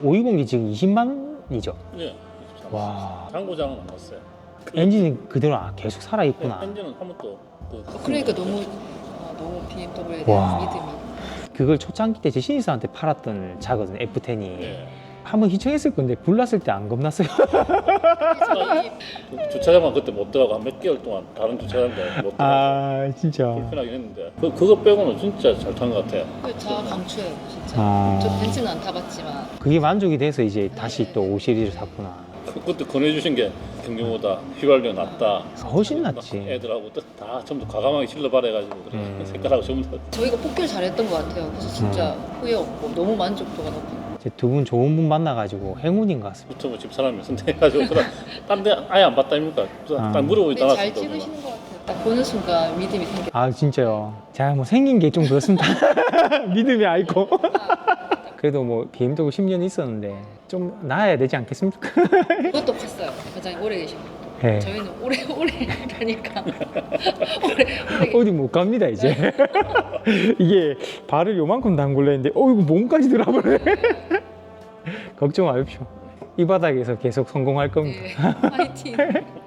520이 지금 20만이죠? 네. 와. 당구장은 안 갔어요. 엔진이 그대로 계속 살아있구나. 네, 엔진은 한 번도 그러니까 너무 BMW에 와. 대한 믿음이. 그걸 초창기 때 제 신입사한테 팔았던 차거든, F10이. 네. 한번 희청했을 건데 불났을 때 안 겁났어요. 주차장만 그때 못 들어가고 한 몇 개월 동안 다른 주차장도 못 들어가고 아, 진짜. 불편하긴 했는데 그거 빼고는 진짜 잘 탄 것 같아요. 차 강추해요 진짜. 아. 저 벤츠는 안 타봤지만 그게 만족이 돼서 이제 다시 또 5 시리즈를 샀구나. 그때 권해주신 게 경유보다 휘발유 낫다. 훨씬 낫지. 애들하고 다 전부 과감하게 실러발해가지고 그래. 색깔하고 전부 다. 저희가 뽑기를 잘했던 것 같아요. 그래서 진짜 후회 없고 너무 만족도가 높아요. 두 분 좋은 분 만나가지고 행운인 것 같습니다. 유튜브 집사람이 선택해가지고 딴 데 아예 안 봤다 아닙니까? 아. 딱 물어보지 근데 잘 않았어요. 찍으시는 것 같아요. 딱 보는 순간 믿음이 생겨. 아, 진짜요. 제가 뭐 생긴 게 좀 그렇습니다. 믿음이 아이고. 그래도 뭐 BMW 10년 있었는데 좀 나아야 되지 않겠습니까? 그것도 컸어요. 가장 오래 계신 분. 네. 저희는 오래 가니까 오래 어디 못 갑니다 이제. 이게 발을 요만큼 담글려 했는데 이거 몸까지 들어버려. 걱정 마십시오. 이 바닥에서 계속 성공할 겁니다. 네, 화이팅.